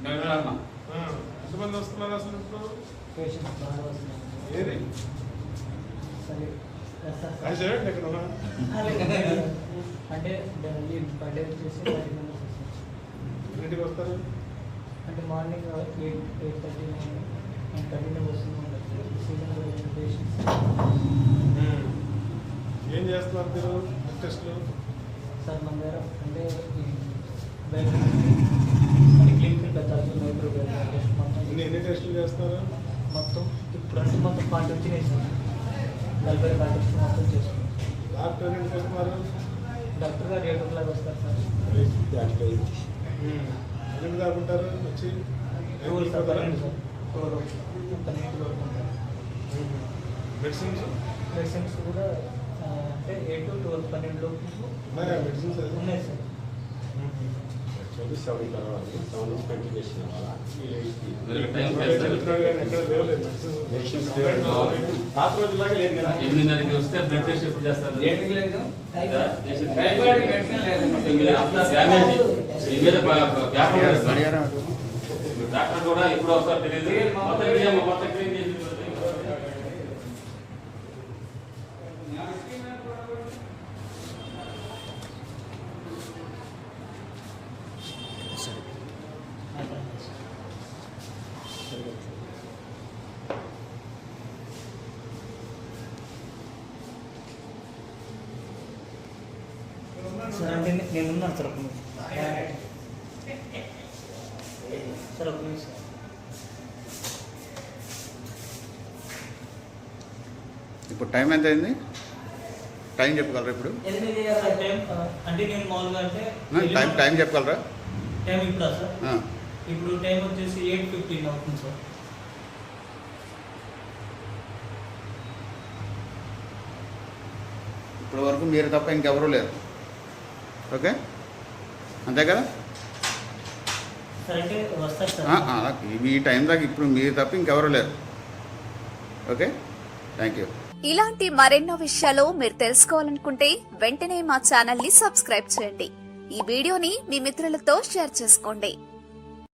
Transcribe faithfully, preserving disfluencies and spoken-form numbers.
ఎంతమంది వస్తున్నారు అసలు ఇప్పుడు? ఏది ఎక్కడ అంటే బర్త్డే వచ్చేసి ఇంటికి వస్తారు అంటే morning eight eight thirty nine nine థర్టీలో వస్తున్నాం. ఏం చేస్తున్నారు మీరు టెస్ట్లు? సార్ మన దగ్గర అంటే బయట అంటే క్లినికల్ పెట్టాల్సి మైక్రో టెస్ట్ మొత్తం ఎన్ని టెస్టులు చేస్తారు మొత్తం ఇప్పుడు అంటే మొత్తం పార్టీ వచ్చినాయి సార్. నలభై పార్టీ మొత్తం చేస్తున్నాం. డాక్టర్ ఎందుకు వస్తున్నారు? డాక్టర్ గారు ఎయిట్ ఓ క్లాక్ వస్తారు సార్. ఎన్ని దాకుంటారు వచ్చి? టూల్ సార్ పన్నెండు సార్ టూల్ పన్నెండు వరకు ఉంటారు. మెడిసిన్స్ మెడిసిన్స్ కూడా అంటే ఎయిట్ టు ట్వెల్వ్ పన్నెండు ఉన్నాయా మెడిసిన్స్? ఉన్నాయి సార్. ఎక్కడ ఎనిమిదిన్నరకి వస్తే బ్లడ్ టెస్ట్ ఎప్పుడు చేస్తారు? డాక్టర్ కూడా ఎప్పుడు వస్తారు తెలియదు. మొత్తం మొత్తం క్లీన్ చేసి సార్ అంటే నేనున్నాను సార్. ఒక నిమిషం సార్ ఒక నిమిషం ఇప్పుడు టైం ఎంత అయింది? టైం చెప్పగలరా ఇప్పుడు? టైం అంటే నేను మామూలుగా అంటే టైం టైం చెప్పగలరా? టైం ఇప్పుడు సార్ ఇప్పుడు టైం వచ్చేసి ఎయిట్ ఫిఫ్టీన్ అవుతుంది సార్. ఇప్పటి వరకు మీరు తప్ప ఇంకెవరూ లేరు. ఓకే అంతే కదా? సార్ అంటే వస్తారు సార్. ఈ టైం దాకా ఇప్పుడు మీరు తప్ప ఇంకెవరూ లేరు. Okay thank you. ఇలాంటి మరెన్నో విషయాలు మీరు తెలుసుకోవాలనుకుంటే వెంటనే మా ఛానల్ ని సబ్స్క్రైబ్ చేయండి. ఈ వీడియోని మీ మిత్రులతో షేర్ చేసుకోండి.